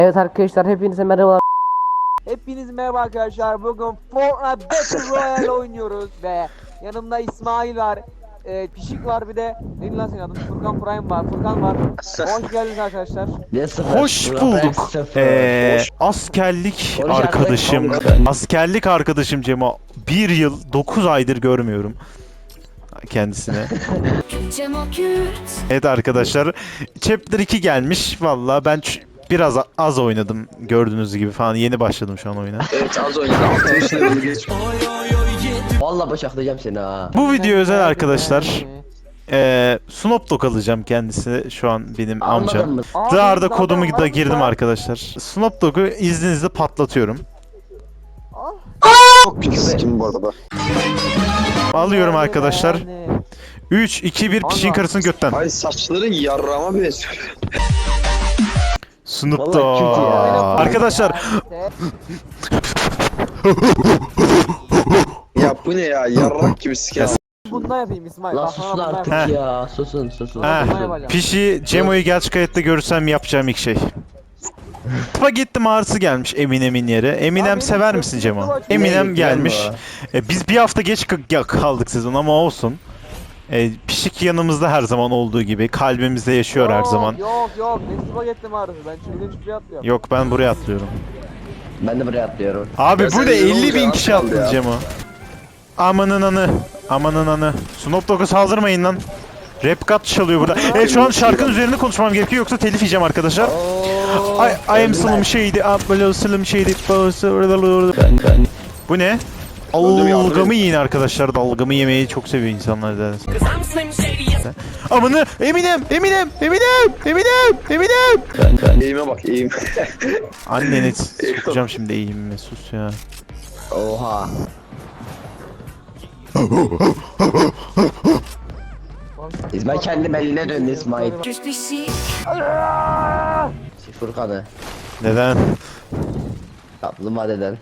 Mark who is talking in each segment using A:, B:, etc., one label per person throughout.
A: Evet arkadaşlar hepinize merhaba.
B: Hepiniz merhaba arkadaşlar. Bugün Fortnite Battle Royale oynuyoruz ve yanımda İsmail var, Pişik var, bir de neydi lan senin adın? Furkan Prime var, Furkan var. Hoş geldiniz arkadaşlar.
C: Hoş bulduk. Askerlik arkadaşım. Askerlik arkadaşım Cemo. 1 yıl 9 aydır görmüyorum kendisine. Evet arkadaşlar. Chapter 2 gelmiş. Vallahi ben biraz az oynadım gördüğünüz gibi falan. Yeni başladım şu an oyuna.
D: Evet az oynadım. 60 level geç.
A: Vallahi bıçaklayacağım seni ha.
C: Bu video özel arkadaşlar. Snoop Dogg alacağım kendisi şu an benim
A: Anladın
C: amcam.
A: mı?
C: Dağarda kodumu da girdim arkadaşlar. Snoop Dogg'u izninizle patlatıyorum.
D: Çok pis kim bu arada?
C: Alıyorum arkadaşlar. 3, 2, 1 pişin karısını götten.
D: Ay saçları yarrağıma benziyor.
C: Snoop
A: Vallahi
C: Dogg.
A: kötü ya.
C: Arkadaşlar
D: Ya bu ne ya yarrak gibi siken.
B: Bundan yapayım İsmail.
A: Lan
B: Bak,
A: susun
B: sana bundan
A: artık
B: yapayım.
A: ya. Susun.
C: Pişi Cemo'yu gerçek hayatta görürsem yapacağım ilk şey. Spagetti mağarası gelmiş Eminem'in yere. Eminem
B: Abi,
C: sever
B: benim
C: misin
B: çok
C: Cemo?
B: güzel
C: Eminem
A: Ne,
C: gelmiş.
A: gelme
C: Biz bir hafta geç kaldık sezon ama olsun. Pişik yanımızda her zaman olduğu gibi. Kalbimizde yaşıyor her zaman.
B: Yok. Ne spagetti mağarası? Ben çılgın çıkıyor atlıyorum.
C: Yok ben buraya atlıyorum.
A: Ben de buraya atlıyorum.
C: Abi
D: Ya
C: burada
D: sen ne
C: 50 bin
D: olacak?
C: kişi
D: Az kaldı
C: attın
D: ya.
C: Cemo. Amanın anı. Amanın anı. Snoop Dogg'a saldırmayın lan. Rap cut çalıyor burada. Şu an şarkının üzerinde konuşmam gerekiyor yoksa telif yiyeceğim arkadaşlar. I am Slim Shady. Below Slim Shady. Bu ne? Dalgamı yiyin arkadaşlar. Dalgamı yemeyi çok seviyor insanlar zaten. Amanı Eminem.
D: Eğime bak eğim.
C: Anneni sokacağım şimdi eğimime sus ya.
A: Oha. İsmail kendi eline döndü İsmail. Furkan'ı.
C: Neden?
A: Kaplumbağadan.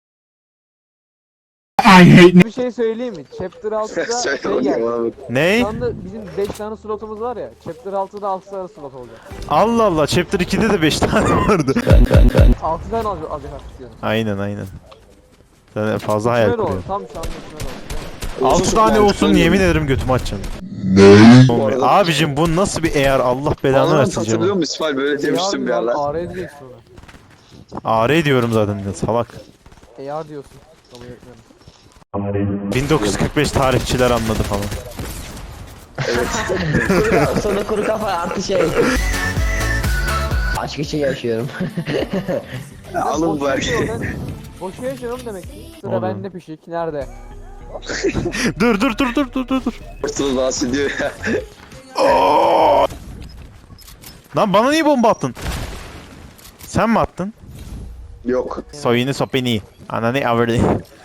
B: Bir şey söyleyeyim mi? Chapter 6'da
D: Söyle
B: şey geldi.
D: bakayım abi.
C: Ney?
B: Şu anda bizim 5 tane slotumuz var ya. Chapter 6'da 6 tane slot olacak.
C: Allah Allah. Chapter 2'de de 5 tane vardı.
B: 6 tane alacak artık istiyorum.
C: Aynen. Sen fazla hayal
B: Kime doğru?
C: kuruyorsun.
B: Tam şu anda kime doğru?
C: 6 tane
D: mantıklı
C: olsun
D: değil
C: yemin
D: mi?
C: ederim götümü açacağım.
D: Bu arada-
C: Abicim bu nasıl bir eğer Allah belanı
D: Anladın
C: versin
D: hatırlıyor
C: Cemo.
D: musun İsmail böyle demiştim bir
B: AR
D: yerler.
B: AR diyeceksin ona.
C: AR diyorum zaten ya salak.
B: AR diyorsun. Kabul etmiyorum.
C: 1945 tarihçiler anladı falan.
A: Sonra kuru kafa artı şey. Aşk için yaşıyorum.
D: Alın bu her şeyi.
B: Boşu yaşıyorum demek ki. Sıra
C: Oğlum.
B: bende Pişik. Nerede?
C: Dur.
D: Ortalığı bahsediyor ya.
C: Lan bana niye bomba attın? Sen mi attın?
D: Yok.
C: Soyunu sopeni. Ananı avırdı.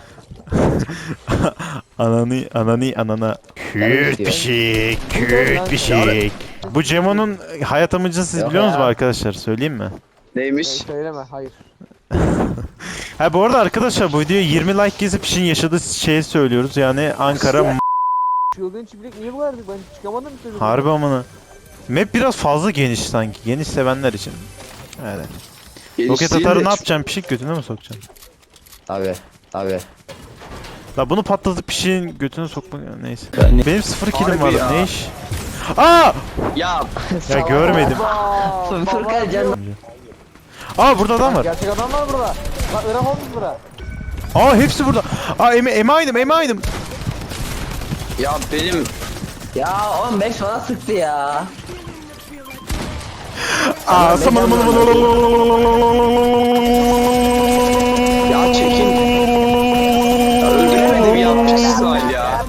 C: Anana. Kürt bir şey. Bu Cemo'nun hayat amacını siz
A: Yok
C: biliyor musunuz
A: ya.
C: arkadaşlar? Söyleyeyim mi?
D: Neymiş?
B: Söyleme. Hayır.
C: Ha bu arada arkadaşlar bu videoya 20 like gezip işin yaşadığı şeyi söylüyoruz. Yani Ankara
B: Çılgın çiftlik niye bu kadar? Ben çıkamadım bir türlü.
C: harbi amına. Map biraz fazla geniş sanki. Geniş sevenler için. Evet. Roket
D: Genişliği
C: atarı
D: de
C: ne yapacaksın? Pişik götüne mi sokacaksın?
A: Abi.
C: La bunu patlatıp pişiğin götüne sokmak neyse. Benim 0 killim
D: Harbi
C: var.
D: ya.
C: Ne iş? Aa!
D: Ya
C: Ya görmedim.
A: Furkan canım.
C: Aa burada adam var.
B: Gerçek adam var burada. Bak Irak olmuş bura.
C: Aa hepsi burada. Aa eminim.
D: ya benim
A: Ya 15 falan sıktı ya.
C: Aa samalım.
D: ya çekin. Ya öldüremedim yanlış İsmail ya.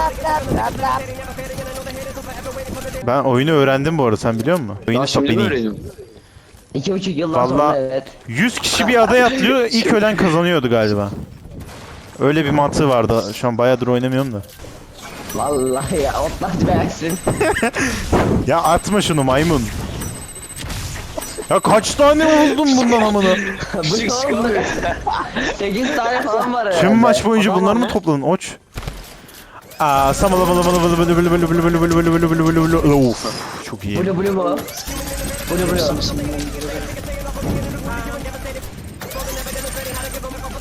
C: Ben oyunu öğrendim bu arada sen biliyor musun?
D: Ya
C: Oyunu
D: şimdi mi
C: sopeni.
D: öğreniyorum?
A: 2,5 yıldan sonra
C: Vallahi
A: evet.
C: 100 kişi bir adaya atlıyor ilk ölen kazanıyordu galiba. Öyle bir mantığı vardı. Şu an bayağıdır oynamıyorum da.
A: Vallahi ya otlatmayacaksın.
C: Ya atma şunu maymun. Ya kaç tane oldun bundan amına?
A: Bu ne oldu? 8 tane falan var herhalde.
C: Tüm maç boyunca
B: Adam
C: bunları
B: var
C: mı
B: ne?
C: topladın? Oç. Aa Of çok iyi.
A: Bulu mu? Bulu.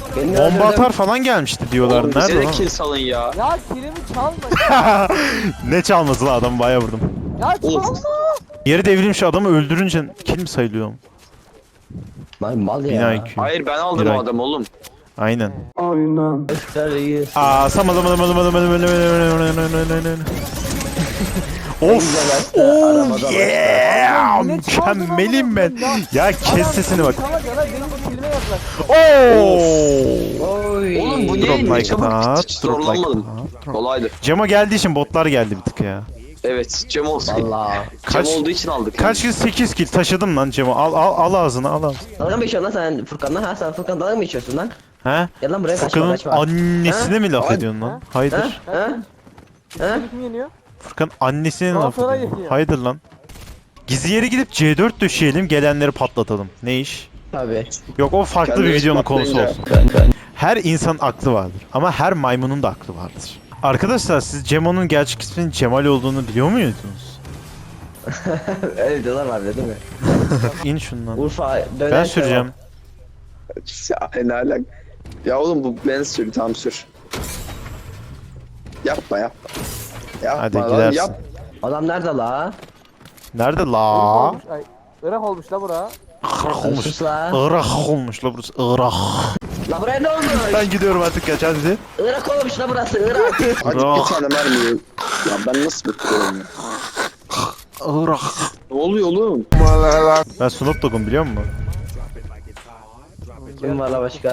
A: Beni
C: Bomba
A: öldürdün.
C: atar falan gelmişti diyorlar.
D: Oğlum bize
C: Nerede
D: de
C: lan?
D: kill salın ya.
B: Ya kilimi çalma.
C: Ne çalması lan, adam bayağı vurdum.
B: Ya çalma.
C: Yeri devrilmiş adamı öldürünce kill mi sayılıyor?
A: Lan mal
C: Bina
A: ya.
C: IQ.
D: Hayır ben aldım
C: Bir
D: o
C: ay.
D: adamı oğlum.
C: Aynen.
A: Gösteriyi.
C: Aa samadım. Of. Oh yeah.
B: Yine çaldın
C: Mükemmelim
B: ama
C: ben. Ya kes
B: Adam
C: sesini bak.
B: sana kadar benim kilime yaklaş.
C: Oo.
A: Oy.
D: Oğlum bu
C: Drop
D: ne? Ne
C: like
D: çabuk
C: that,
D: hiç
C: drop like
D: zorlanmadım.
C: that.
D: Kolaydı.
C: Cemo geldiği için botlar geldi bir tık ya.
D: Evet Cem olsun.
A: Valla.
D: Cem
C: Kaç-
D: olduğu için aldık.
C: Kaç kill? 8 kill taşıdım lan Cemo. Al ağzına al ağzına.
A: Dalga mı geçiyorsun lan sen Furkan'la? Ha sen Furkan dalga mı geçiyorsun lan?
C: He?
A: Gel lan buraya kaçma
C: Furkan'ın
A: kaçma.
C: annesine mi laf
A: Ha?
C: ediyorsun lan?
A: Ha?
C: Haydır.
A: Ha? Ha?
B: Kim yeniyor?
C: Furkan annesine
B: Daha
C: laf
B: sonra
C: ediyorsun.
B: geliyor.
C: Haydır lan. Gizli yere gidip C4 döşeyelim, gelenleri patlatalım. Ne iş?
A: Tabii.
C: Yok, o farklı bir
D: Kendimiz
C: videonun konusu
D: patlayınca.
C: olsun. Her insan aklı vardır ama her maymunun da aklı vardır. Arkadaşlar siz Cemo'nun gerçek isminin Cemal olduğunu biliyor muydunuz?
A: Öyle diyorlar var değil mi?
C: İn şundan.
A: Urfa döner.
C: Ben süreceğim.
D: Ya ne alak. Ya oğlum bu ben sür tam sür. Yapma. Yapma
C: Hadi
D: lan,
C: gidersin.
D: yap.
A: Adam nerede la?
C: Nerede la?
B: Olmuş, ay, Irak olmuş la bura.
C: Irak olmuş.
A: Sus la.
C: Irak olmuş la burası. Irak.
A: La buraya ne olmuş?
C: Ben gidiyorum artık, kaç hadi.
A: Irak olmuş la burası Irak.
D: Hadi bir tane mermi. Ya ben nasıl bekliyorum ya?
C: Irak.
D: Ne oluyor oğlum?
C: Ben Snoop Dogg'um biliyor musun?
A: Kim var la başka?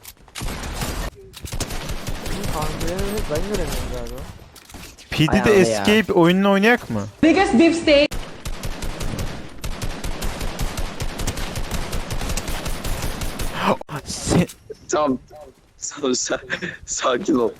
B: Ben göremiyorum galiba.
C: PD'de
A: Ayağını ya.
C: Escape oyununu oynayak mı?
E: Biggest beef steak.
C: Sen...
D: Tamam. Sakin ol.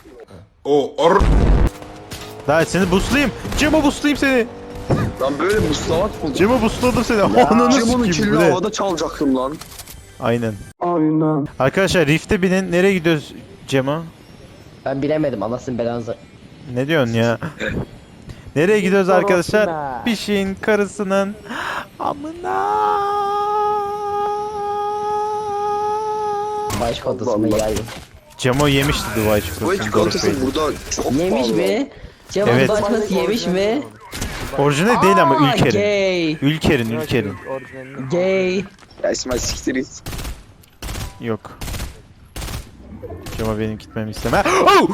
C: Daha seni boostlayayım. Cemo boostlayayım seni.
D: Lan böyle muslamak mı?
C: Cemo boostladım seni. Ananı
D: Cemo'nun
C: sikeyim, bu
D: killini
C: ne?
D: havada çalacaktım lan.
C: Aynen. Arkadaşlar Rift'e binin. Nereye gidiyoruz Cemo?
A: Ben bilemedim anasını belanızı.
C: Ne diyorsun ya? Nereye gidiyoruz arkadaşlar?
B: Sorosuna.
C: Pişin karısının amına.
A: Baş kodasını
D: Allah.
A: yayın.
C: Cemo yemişti Dubai
D: Bu
C: çikolatasını.
D: çikolatası
C: Doruk Bey.
D: burada çok
A: Yemiş
D: pahalı.
A: mi? Cevap
C: Evet.
A: başkası yemiş mi?
C: Orijinal değil ama
A: Aa,
C: Ülker'in.
A: Gay.
C: Ülker'in.
B: Orijinalini.
A: Gay.
D: Ya İsmail siktir git.
C: Yok. Cemo benim gitmemi isteme. Oh!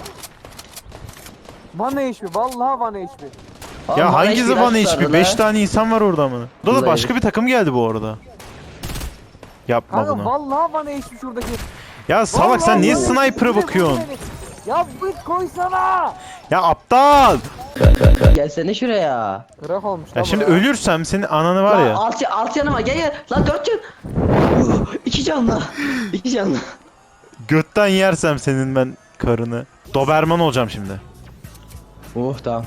B: Bana HP. Vallahi bana HP.
C: Ya hangisi Van
A: hiçbir
C: HP? 5 tane insan var orada mı? Burada da
A: Vallahi.
C: başka bir takım geldi bu arada. Yapma
B: Kanka
C: bunu.
B: vallahi bana HP şuradaki.
C: Ya salak sen
B: Vallahi
C: niye
B: bana
C: sniper'a
B: HP.
C: bakıyorsun?
B: Ya bit koysana.
C: Ya aptal!
A: Gelsene şuraya.
B: Irak olmuş
C: Ya
B: la
C: şimdi
B: bura.
C: ölürsem senin ananı var ya.
A: Alt yanıma gel. Lan 4 can. 2 canlı. 2 canlı.
C: Götten yersem senin ben karını. Doberman olacağım şimdi.
A: Tamam.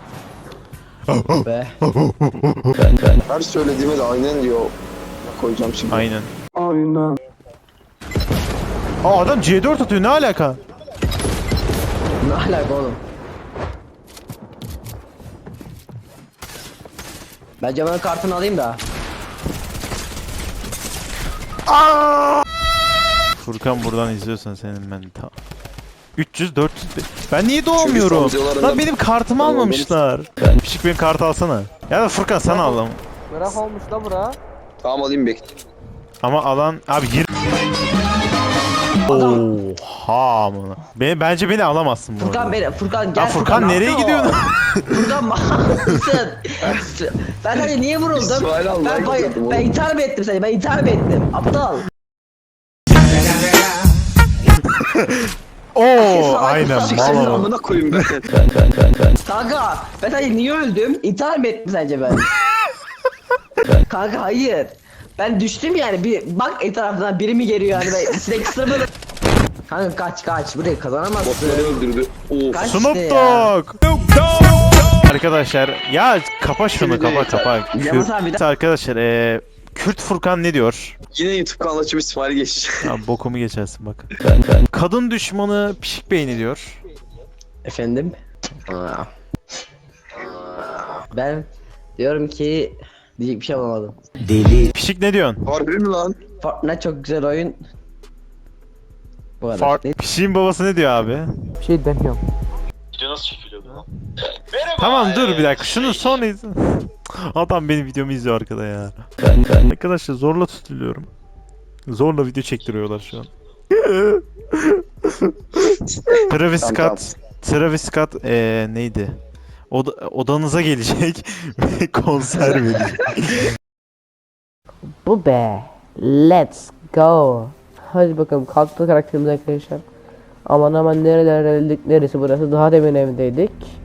A: Be.
D: Her söylediğime de aynen diyor. Koyacağım şimdi.
C: Aynen. Aa adam C4 atıyor, ne alaka?
A: Ne alaka oğlum? Ben Cemal'in kartını alayım da.
C: Furkan buradan izliyorsan senin ben ta... 300 400 ben niye doğmuyorum?
D: Çünkü son
C: Lan
D: videolarında-
C: benim kartımı
D: Tamam,
C: almamışlar. Pişik benim kartı alsana. Ya da Furkan sen al ama.
B: Irak olmuş la bura.
D: Tamam alayım bekle.
C: Ama alan abi gir. Oha amına. Bence beni alamazsın bu
A: Furkan
C: arada.
A: beni. Furkan gel.
C: Ya Furkan nereye
A: ne
C: gidiyorsun?
A: yapıyor? Furkan mısın? Ben hani niye vuruldum?
D: İsmail Allah
A: Ben,
D: gidiyordum
A: ben
D: oğlum.
A: intihar mı ettim seni? Ben intihar mı ettim? Aptal.
C: Oo aynen
A: Sik
C: mal
D: Senin
C: ama.
D: amına koyayım ben.
A: Kanka ben hani niye öldüm? İntihar mı ettim sence ben? Kanka hayır. Ben düştüm yani bir bak etrafından biri mi geliyor yani ben sinek ısırmadım. Kanka kaç burayı kazanamazsın.
D: Botları öldürdü. Of.
A: Kaç
C: Snoop
A: işte ya.
C: Dogg. Arkadaşlar ya kapa şunu,
D: Şimdi
C: kapa.
A: Yalnız abi
C: Kürt arkadaşlar Kürt Furkan ne diyor?
D: Yine YouTube kanalı açıp İsmail geç.
C: Abi bokumu geçersin bak. Kadın düşmanı pişik beyni diyor.
A: Efendim? Ben diyorum ki diyecek bir şey bulamadım.
C: Pişik ne diyorsun?
D: Harbi mi lan?
A: Fortnite çok güzel oyun. Bu kadar. Ne-
C: Pişiğin babası ne diyor abi?
B: Bir şey demiyorum.
E: Video nasıl çekiliyordu lan?
C: Tamam dur bir dakika şunu sonra izle. Adam benim videomu izliyor arkada ya. Arkadaşlar zorla tutuluyorum. Zorla video çektiriyorlar şu an. Travis
D: Tamam,
C: Scott. Travis Scott neydi? Odanıza gelecek ve konser verecek.
F: Bu be. Let's go. Hadi bakalım kalktı karakterimiz arkadaşlar. Aman aman nereler geldik, neresi burası, daha demin evdeydik.